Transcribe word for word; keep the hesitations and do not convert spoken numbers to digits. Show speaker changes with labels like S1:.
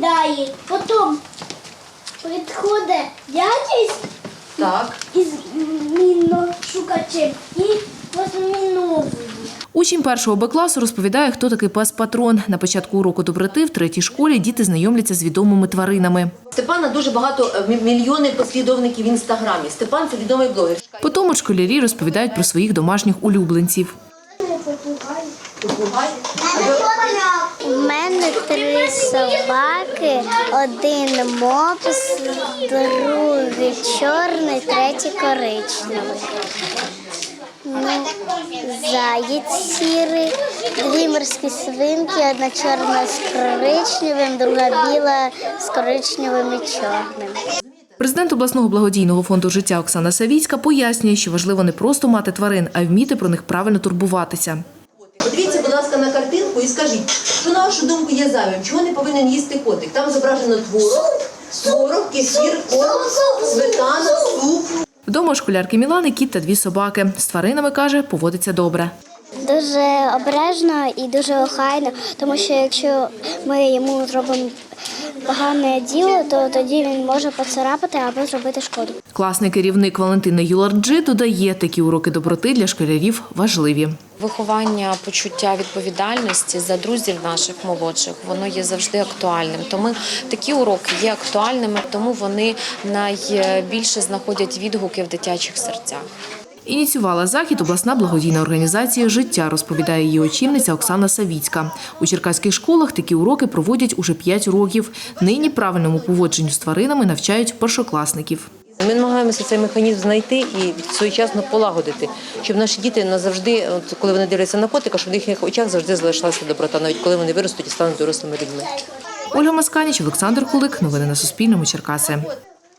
S1: розповідає. Потім підходить дядя
S2: Так.
S1: із міношукачем і розміновує.
S3: Учень першого Б класу розповідає, хто такий пес-патрон. На початку уроку доброти в третій школі діти знайомляться з відомими тваринами.
S2: Степана дуже багато, мільйони послідовників в Інстаграмі. Степан – це відомий блогер.
S3: Потім школярі розповідають про своїх домашніх улюбленців.
S2: Попугай.
S1: У мене три собаки, один мопс, другий чорний, третій коричневий. Ну, заєць сірий, дві морські свинки, одна чорна з коричневим, друга біла з коричневим і чорним.
S3: Президент обласного благодійного фонду життя Оксана Савіцька пояснює, що важливо не просто мати тварин, а й вміти про них правильно турбуватися.
S2: Подивіться, будь ласка, на картинку і скажіть, що, на вашу думку, є зайвим, чого не повинен їсти котик? Там зображено творог, творог, кефір, корм, сметана, суп.
S3: Вдома у школярки Мілани кіт та дві собаки. З тваринами, каже, поводиться добре.
S1: Дуже обережно і дуже охайно, тому що якщо ми йому зробимо погане діло, то тоді він може поцарапати або зробити шкоду.
S3: Класний керівник Валентина Юларджи додає, такі уроки доброти для школярів важливі.
S4: Виховання почуття відповідальності за друзів наших молодших, воно є завжди актуальним. Тому такі уроки є актуальними, тому вони найбільше знаходять відгуки в дитячих серцях.
S3: Ініціювала захід обласна благодійна організація «Життя», розповідає її очільниця Оксана Савіцька. У черкаських школах такі уроки проводять уже п'ять років. Нині правильному поводженню з тваринами навчають першокласників.
S2: Ми намагаємося цей механізм знайти і своєчасно полагодити, щоб наші діти назавжди, коли вони дивляться на котика, щоб в їхніх очах завжди залишалася доброта, навіть коли вони виростуть і стануть дорослими людьми.
S3: Ольга Масканіч, Олександр Кулик. Новини на Суспільному. Черкаси.